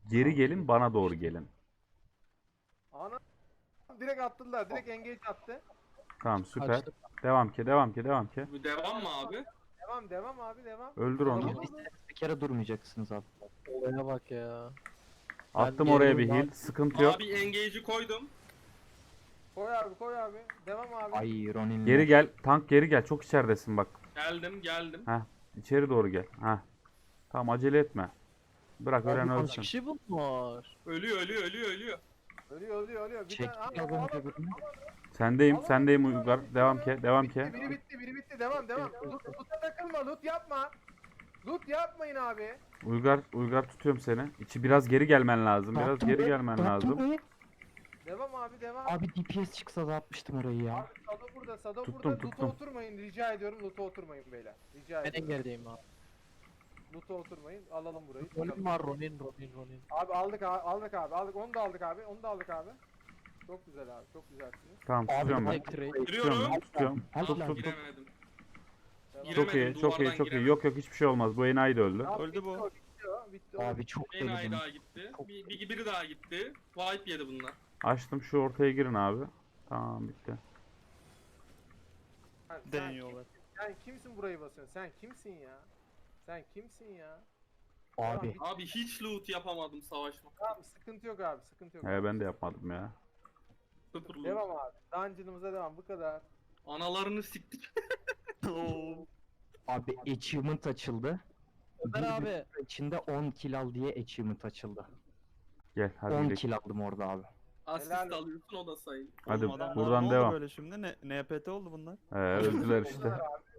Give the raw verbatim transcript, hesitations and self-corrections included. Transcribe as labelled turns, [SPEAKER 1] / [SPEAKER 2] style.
[SPEAKER 1] Geri gelin, bana doğru gelin.
[SPEAKER 2] Ana direkt attılar. Direkt engage attı.
[SPEAKER 1] Tamam, süper.
[SPEAKER 3] Açtım.
[SPEAKER 1] Devam ki, devam ki, devam ki.
[SPEAKER 4] Bu devam mı abi?
[SPEAKER 2] Devam devam abi devam.
[SPEAKER 1] Öldür onu.
[SPEAKER 2] Devam.
[SPEAKER 5] Bir kere durmayacaksınız abi.
[SPEAKER 3] Olaya bak ya.
[SPEAKER 1] Attım
[SPEAKER 3] Ben
[SPEAKER 1] oraya bir
[SPEAKER 3] geliyorum
[SPEAKER 1] heal.
[SPEAKER 3] abi.
[SPEAKER 1] Sıkıntı yok.
[SPEAKER 4] Abi engage'i koydum.
[SPEAKER 2] Koy abi koy abi. Devam abi.
[SPEAKER 5] Ay Ronin.
[SPEAKER 1] Geri gel. Tank geri gel. Çok içeridesin bak.
[SPEAKER 4] Geldim geldim.
[SPEAKER 1] Heh. İçeri doğru gel. Heh. Tamam, acele etme. Bırak ölen
[SPEAKER 3] Abi kaç
[SPEAKER 1] ölsün.
[SPEAKER 3] kişi bunlar?
[SPEAKER 4] Ölüyor ölüyor ölüyor ölüyor.
[SPEAKER 2] Ölüyor ölüyor ölüyor. Bir
[SPEAKER 5] Çek
[SPEAKER 2] tane-
[SPEAKER 5] az
[SPEAKER 2] Aa,
[SPEAKER 5] önce
[SPEAKER 2] aa,
[SPEAKER 5] birini.
[SPEAKER 1] Sendeyim, sendeyim Uygar. Devam ki, devam ki.
[SPEAKER 2] Bitti, biri bitti, biri bitti. Devam, devam. Loot, loot'a takılma, loot yapma. Loot yapmayın abi.
[SPEAKER 1] Uygar, Uygar tutuyorum seni. İçi biraz geri gelmen lazım. Biraz
[SPEAKER 5] Dağıttım
[SPEAKER 1] geri
[SPEAKER 5] be,
[SPEAKER 1] gelmen
[SPEAKER 5] dağıttım
[SPEAKER 1] lazım.
[SPEAKER 5] be.
[SPEAKER 2] Devam abi, devam.
[SPEAKER 5] Abi D P S çıksa da atmıştım orayı ya.
[SPEAKER 2] Abi Sado burada, Sado
[SPEAKER 1] Tuttum,
[SPEAKER 2] burada. Loot'a
[SPEAKER 1] tuttum.
[SPEAKER 2] oturmayın, rica ediyorum. Loot'a oturmayın beyler. Rica
[SPEAKER 3] Ben
[SPEAKER 2] ediyorum.
[SPEAKER 3] engerdeyim abi.
[SPEAKER 2] Loot'a oturmayın. Alalım burayı.
[SPEAKER 3] Ronin var Ronin Ronin Ronin.
[SPEAKER 2] Abi aldık abi, aldık abi, aldık. Onu da aldık abi, onu da aldık abi. Çok güzel abi, çok güzelsiniz.
[SPEAKER 1] Tamam, tutuyorum ben.
[SPEAKER 3] Tek trade.
[SPEAKER 1] Tutuyorum
[SPEAKER 4] Giriyorum.
[SPEAKER 1] ben, tutuyorum.
[SPEAKER 5] Help
[SPEAKER 1] Tut,
[SPEAKER 5] lan.
[SPEAKER 1] tut, tut.
[SPEAKER 4] Giremedim.
[SPEAKER 2] Devam.
[SPEAKER 1] Çok iyi,
[SPEAKER 4] Giremedim,
[SPEAKER 1] çok iyi,
[SPEAKER 4] duvardan
[SPEAKER 1] çok iyi.
[SPEAKER 4] giremedim.
[SPEAKER 1] Yok yok, hiçbir şey olmaz. Bu enayi de öldü.
[SPEAKER 2] Abi,
[SPEAKER 6] Öldü
[SPEAKER 2] bitti
[SPEAKER 6] bu.
[SPEAKER 2] o, bitti o, bitti o.
[SPEAKER 5] Abi çok
[SPEAKER 4] En ay
[SPEAKER 5] deli
[SPEAKER 4] daha gitti. Bir, bir, biri daha gitti. Wipe yedi bunlar.
[SPEAKER 1] Açtım, şu ortaya girin abi. Tamam, bitti.
[SPEAKER 2] Sen, sen,
[SPEAKER 6] Deniyorlar.
[SPEAKER 2] sen kimsin burayı basıyorsun? Sen kimsin ya? Sen kimsin ya?
[SPEAKER 5] Abi
[SPEAKER 4] Abi hiç loot yapamadım savaşma.
[SPEAKER 2] Tamam, sıkıntı yok abi, sıkıntı yok.
[SPEAKER 1] He,
[SPEAKER 2] abi.
[SPEAKER 1] ben de yapmadım ya.
[SPEAKER 4] Sıfır loot.
[SPEAKER 2] Devam abi. Dungeon'ımıza devam, bu kadar.
[SPEAKER 4] Analarını siktik. Oo.
[SPEAKER 5] abi achievement açıldı.
[SPEAKER 3] Ömer
[SPEAKER 5] Bir
[SPEAKER 3] abi.
[SPEAKER 5] dakika içinde on kill al diye achievement açıldı.
[SPEAKER 1] Gel hadi
[SPEAKER 5] on
[SPEAKER 1] gidelim.
[SPEAKER 5] kill aldım orada abi.
[SPEAKER 4] Asist
[SPEAKER 2] Helal.
[SPEAKER 4] alıyorsun o da sayın.
[SPEAKER 1] Hadi
[SPEAKER 6] Oğlum adamlar
[SPEAKER 1] buradan
[SPEAKER 6] ne oldu
[SPEAKER 1] devam.
[SPEAKER 6] böyle şimdi? Ne, N P T oldu bunlar.
[SPEAKER 1] He, öldüler işte.